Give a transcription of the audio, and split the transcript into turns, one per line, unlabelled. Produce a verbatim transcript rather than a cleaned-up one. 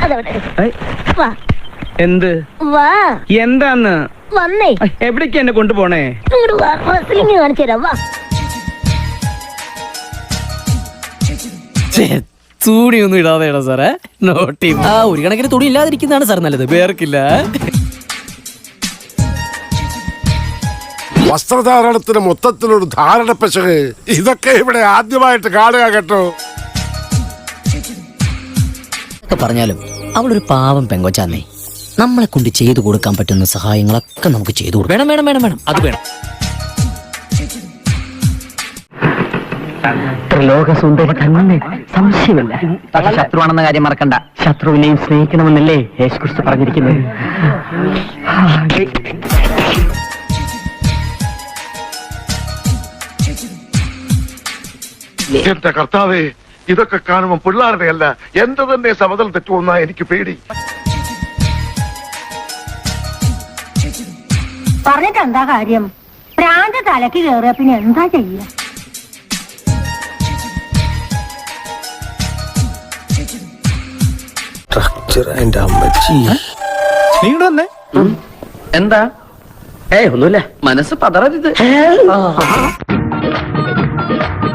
എന്ത് എന്താന്ന്
വന്നേ
എവിടേക്ക് എന്നെ കൊണ്ടുപോണേ?
കാണിച്ചു തരാം. വാ.
തുണിയൊന്നും ഇടാതെയാണോ സാറേ? നോട്ടി ആ ഒരു കണക്കിന് തുണി ഇല്ലാതിരിക്കുന്നതാണ് സാർ നല്ലത്, വേർക്കില്ല.
വസ്ത്രധാരണത്തിന് മൊത്തത്തിലൊരു ധാരണ പശക് ഇതൊക്കെ ഇവിടെ ആദ്യമായിട്ട് കാണുക കേട്ടോ.
പറഞ്ഞാലും അവളൊരു പാവം പെങ്കൊച്ചാന്നേ. നമ്മളെ കൊണ്ട് ചെയ്തു കൊടുക്കാൻ പറ്റുന്ന സഹായങ്ങളൊക്കെ നമുക്ക് ചെയ്തു കൊടുക്കും. വേണം വേണം വേണം വേണം അത് വേണം.
ലോകസുന്ദരി തന്നെ, സംശയമില്ല. പക്ഷെ ശത്രുവാണെന്ന കാര്യം മറക്കണ്ട. ശത്രുവിനെയും സ്നേഹിക്കണമെന്നല്ലേ യേശുക്രിസ്തു പറഞ്ഞിരിക്കുന്നത്.
എന്റെ കർത്താവേ, ഇതൊക്കെ കാണുമ്പോൾ പിള്ളേരുടെ അല്ല എന്റെ തന്നെ സമതൽ തെറ്റുമെന്നാ എനിക്ക് പേടി.
പറഞ്ഞിട്ട് എന്താ കാര്യം? പ്രാന്ത തലക്ക് കയറിയ പിന്നെ എന്താ ചെയ്യ?
എന്താ? ഏയ് ഒന്നുമില്ല, മനസ്സ് പതറരുത്.